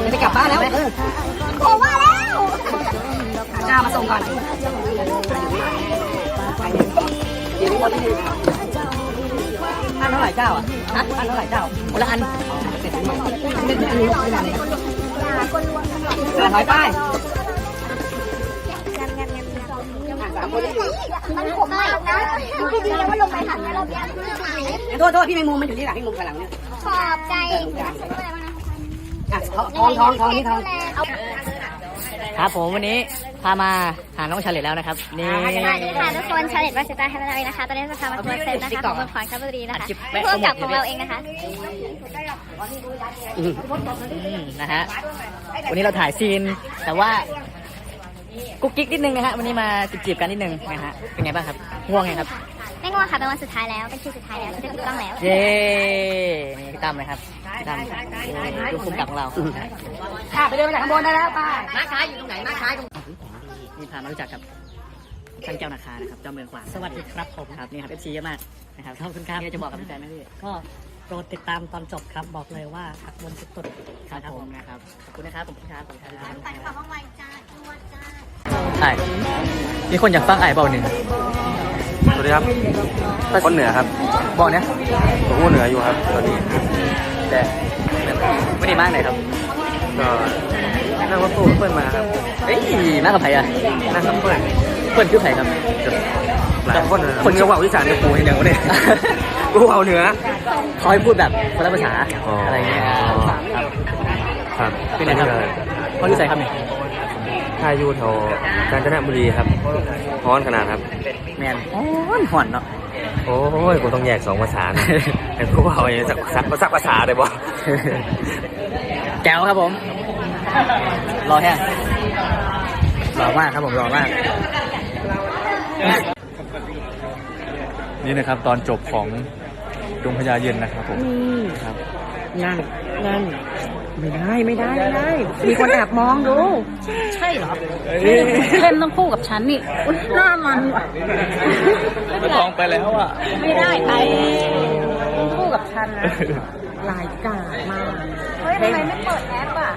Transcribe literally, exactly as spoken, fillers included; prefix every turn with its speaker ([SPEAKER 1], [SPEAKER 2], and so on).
[SPEAKER 1] จะไปกลับบ้านแล้วโอ้มาแล้วจ้ามาส่งก่อนอันเท่าไหร่เจ้าอ่ะฮะอันเท่าไหร่เจ้าคนละอันเสร็จแล้วไม่ได้อันนี้ไม่ได้เสือถอยไป
[SPEAKER 2] มันขมมากนะดูให้ดีนะว่าลงไปหันแล้วเราเบี้ย
[SPEAKER 1] โทษโทษพี่แมงมุมมันอยู่ที่หลังพี่มุมข้างหลังเนี่ย
[SPEAKER 2] ขอบใจ
[SPEAKER 1] อ่ะทองทองทองนี่ทอง
[SPEAKER 3] ครับผมวันนี้พามาหาน้องชาเลตแล้วนะครับนี่
[SPEAKER 2] สวัสดีค่ะทุกคนชาเลตวาสิตาแฮปปี้ไลฟ์นะคะตอนนี้จะพามาทัวร์เซ็ตนะคะของเมืองขอนแก่นบุรีนะคะเพื่อกับของเราเองนะคะ
[SPEAKER 3] นะฮะวันนี้เราถ่ายซีนแต่ว่ากุ๊กกิ๊กนิดนึงนะฮะวันนี้มาจีบๆกันนิดนึงนะฮะเป็นไงบ้างครับง่วงไงครับ
[SPEAKER 2] ไม่ง่วงค่ะเป็นวันสุดท้ายแล้วเป็นคิวสุดท้ายแล้วจะถูกต้องแล้ว
[SPEAKER 3] เย้นี่พี่ตั้มเลยครับพี่ตั้มดูคุมกับของเรา
[SPEAKER 1] ค่ะไปเดินไปจากข้างบนได้แล้วป้าม้าช้าอยู่ตรงไหนม้าช้าตรง
[SPEAKER 3] นี่พามารู้จักกับท่านเจ้านาคานะครับเจ้าเมืองขวางสวัสดีครับผมครับนี่ครับเอฟซีเยอะมากนะครับขอบคุณครับจะบอกกับพี่แฟนไหมพี่
[SPEAKER 4] ก็โปรดติดตามตอนจบครับบอกเลยว่าหักมุมสุด
[SPEAKER 3] ๆครับผมนะครับขอบคุณนะครับผมครับผมครับ
[SPEAKER 2] ตัดความไวจ้าตัวจ้า
[SPEAKER 3] ไอ้มีคนอยากฟังไอ้เบาหนึ่ง
[SPEAKER 5] สวัสดีครับคนเหนือครับ
[SPEAKER 3] บอกเนี้ย
[SPEAKER 5] ผมพูดเหนืออยู่ครับตอนนี้
[SPEAKER 3] แต่ไม่ได้มากไหนครับ
[SPEAKER 5] ก็นั่งรถตู้เพื่อนมาครับ
[SPEAKER 3] เอ้ยนั่งกับใครอ่ะ
[SPEAKER 5] นั่งกับเพื่อน
[SPEAKER 3] เพื่อนคือใครครับ
[SPEAKER 5] หลายคนคนเยาว์วิสานกูเห็นอย่างวะเนี่ยกูเอาเหนือ
[SPEAKER 3] เขาให้พูดแบบคนละภาษาอะไรเงี้ย
[SPEAKER 5] ครับ
[SPEAKER 3] เป็นไงครับเขาอยู่ใส่ครับเนี่ย
[SPEAKER 5] ท่ายูแถวกาญจนบุรีครับฮ้อนขนาดครับ
[SPEAKER 3] แมนฮ้อนห่อนเนาะ
[SPEAKER 5] โอ้ยกูต้องแยกสองภาษาแต่กูเอาอย่างสักสักสักภาษาได้บ่
[SPEAKER 3] แก้วครับผมรอแค่รอมากครับผมรอมาก
[SPEAKER 5] นี่นะครับตอนจบของดวงพญาเย็นนะครับผมครับ
[SPEAKER 1] นั่นนั่นไม่ได้ไม่ได้ไม่ได้มีคนแอบมองดู
[SPEAKER 4] ใช่เหรอเล่นต้องคู่กับฉันนี่หน้ามันว่ะ
[SPEAKER 5] ลองไปแล้วอ่ะ
[SPEAKER 4] ไม่ได้ไปคู่กับฉันนะลายกาดมาก
[SPEAKER 2] เฮ้ยทำไมไม่เปิดแอปอ่ะ